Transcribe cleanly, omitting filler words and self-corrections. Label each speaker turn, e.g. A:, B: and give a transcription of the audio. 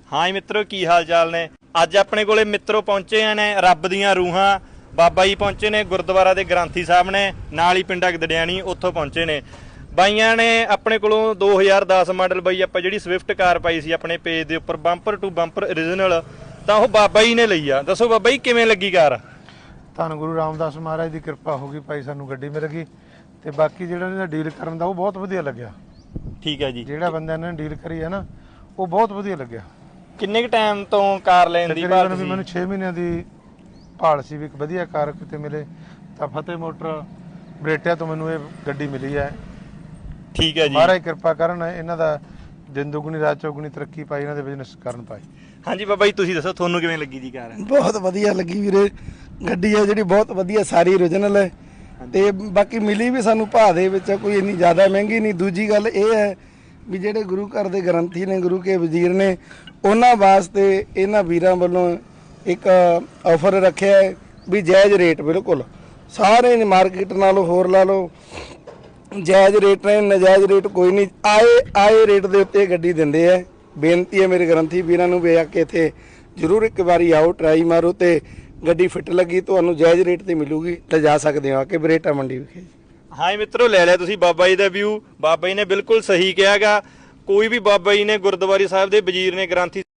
A: ਹਾਂ ਜੀ ਮਿੱਤਰੋ, ਕੀ ਹਾਲ ਚਾਲ ਨੇ। ਅੱਜ ਆਪਣੇ ਕੋਲੇ ਮਿੱਤਰੋ ਪਹੁੰਚੇ ਨੇ ਰੱਬ ਦੀਆਂ ਰੂਹਾਂ ਬਾਬਾ ਜੀ ਪਹੁੰਚੇ ਨੇ ਗੁਰਦੁਆਰਾ ਦੇ ਗ੍ਰੰਥੀ ਸਾਹਿਬ ਨੇ, ਨਾਲ ਹੀ ਪਿੰਡਾ ਗਦੜਿਆਣੀ ਉੱਥੋਂ ਪਹੁੰਚੇ ਨੇ। ਬਾਈਆਂ ਨੇ ਆਪਣੇ ਕੋਲੋਂ 2010 ਮਾਡਲ ਬਾਈ ਆਪਾਂ ਜਿਹੜੀ ਸਵਿਫਟ ਕਾਰ ਪਾਈ ਸੀ ਆਪਣੇ ਪੇਜ ਦੇ ਉੱਪਰ ਬੰਪਰ ਟੂ ਬੰਪਰ ਓਰੀਜਨਲ, ਤਾਂ ਉਹ ਬਾਬਾ ਜੀ ਨੇ ਲਈ ਆ। ਦੱਸੋ ਬਾਬਾ ਜੀ ਕਿਵੇਂ ਲੱਗੀ ਕਾਰ?
B: ਧੰਨ ਗੁਰੂ ਰਾਮਦਾਸ ਮਹਾਰਾਜ ਦੀ ਕਿਰਪਾ ਹੋ ਗਈ ਭਾਈ, ਸਾਨੂੰ ਗੱਡੀ ਮਿਲ ਗਈ। ਤੇ ਬਾਕੀ ਜਿਹੜਾ ਇਹਦਾ ਡੀਲ ਕਰਨ ਦਾ ਉਹ ਬਹੁਤ ਵਧੀਆ ਲੱਗਿਆ।
A: ਠੀਕ ਹੈ ਜੀ।
B: ਜਿਹੜਾ ਬੰਦਿਆਂ ਨੇ ਡੀਲ ਕਰੀ ਹੈ ਨਾ, ਉਹ ਬਹੁਤ ਵਧੀਆ ਲੱਗਿਆ।
A: ਕਿੰਨੇ ਕੁ ਟਾਈਮ ਤੋਂ ਕਾਰ ਲੈਣ ਦੀ ਭਾਲ ਸੀ?
B: ਮੈਨੂੰ 6 ਮਹੀਨਿਆਂ ਦੀ ਭਾਲ ਸੀ ਵੀ ਇੱਕ ਵਧੀਆ ਕਾਰ ਕਿਤੇ ਮਿਲੇ, ਤਾਂ ਫਤਿਹ ਮੋਟਰ ਬਰੇਟਿਆਂ ਤੋਂ ਮੈਨੂੰ ਇਹ ਗੱਡੀ ਮਿਲੀ ਹੈ।
A: ਠੀਕ ਹੈ ਜੀ।
B: ਮਹਾਰਾਜ ਕਿਰਪਾ ਕਰਨ, ਇਹਨਾਂ ਦਾ ਦਿਨ ਦੁਗਣੀ ਰਾਤ ਚੌਗੁਣੀ ਤਰੱਕੀ ਪਾਈ, ਇਹਨਾਂ ਦੇ ਬਿਜ਼ਨਸ ਕਰਨ ਪਾਈ।
A: ਹਾਂਜੀ ਬਾਬਾ ਜੀ, ਤੁਸੀਂ ਦੱਸੋ ਤੁਹਾਨੂੰ ਕਿਵੇਂ ਲੱਗੀ ਜੀ ਕਾਰ?
C: ਬਹੁਤ ਵਧੀਆ ਲੱਗੀ ਵੀਰੇ, ਗੱਡੀ ਹੈ ਜਿਹੜੀ ਬਹੁਤ ਵਧੀਆ, ਸਾਰੀ ਓਰੀਜਨਲ ਹੈ। ਤੇ ਬਾਕੀ ਮਿਲੀ ਵੀ ਸਾਨੂੰ ਭਾਅ ਦੇ ਵਿੱਚ, ਕੋਈ ਇੰਨੀ ਜ਼ਿਆਦਾ ਮਹਿੰਗੀ ਨਹੀਂ। ਦੂਜੀ ਗੱਲ ਇਹ ਹੈ ਵੀ ਜਿਹੜੇ ਗੁਰੂ ਘਰ ਦੇ ਗ੍ਰੰਥੀ ਨੇ, ਗੁਰੂ ਕੇ ਵਜ਼ੀਰ ਨੇ, ਉਹਨਾਂ ਵਾਸਤੇ ਇਹਨਾਂ ਵੀਰਾਂ ਵੱਲੋਂ ਇੱਕ ਆਫਰ ਰੱਖਿਆ ਹੈ ਵੀ ਜਾਇਜ਼ ਰੇਟ, ਬਿਲਕੁਲ ਸਾਰੇ ਮਾਰਕੀਟ ਨਾਲੋਂ ਹੋਰ ਲਾ ਲਓ ਜਾਇਜ਼ ਰੇਟ ਨੇ, ਨਜਾਇਜ਼ ਰੇਟ ਕੋਈ ਨਹੀਂ। ਆਏ ਰੇਟ ਦੇ ਉੱਤੇ ਗੱਡੀ ਦਿੰਦੇ ਆ। ਬੇਨਤੀ ਹੈ ਮੇਰੇ ਗ੍ਰੰਥੀ ਵੀਰਾਂ ਨੂੰ ਵੀ ਆ ਕੇ ਇੱਥੇ ਜ਼ਰੂਰ ਇੱਕ ਵਾਰੀ ਆਓ, ਟਰਾਈ ਮਾਰੋ, ਤੇ ਗੱਡੀ ਫਿੱਟ ਲੱਗੀ ਤੁਹਾਨੂੰ ਜਾਇਜ਼ ਰੇਟ ਤੇ ਮਿਲੂਗੀ, ਤਾਂ ਜਾ ਸਕਦੇ ਹੋ ਆ ਕੇ ਬਰੇਟਾ ਮੰਡੀ ਵਿਖੇ।
A: ਹਾਂ ਜੀ ਮਿੱਤਰੋ, ਲੈ ਲਿਆ ਤੁਸੀਂ ਬਾਬਾ ਜੀ ਦਾ ਵਿਊ। ਬਾਬਾ ਜੀ ਨੇ ਬਿਲਕੁਲ ਸਹੀ ਕਿਹਾਗਾ। ਕੋਈ ਵੀ ਬਾਬਾ ਜੀ ਨੇ ਗੁਰਦੁਆਰੇ ਸਾਹਿਬ ਦੇ ਵਜ਼ੀਰ ਨੇ, ਗ੍ਰੰਥੀ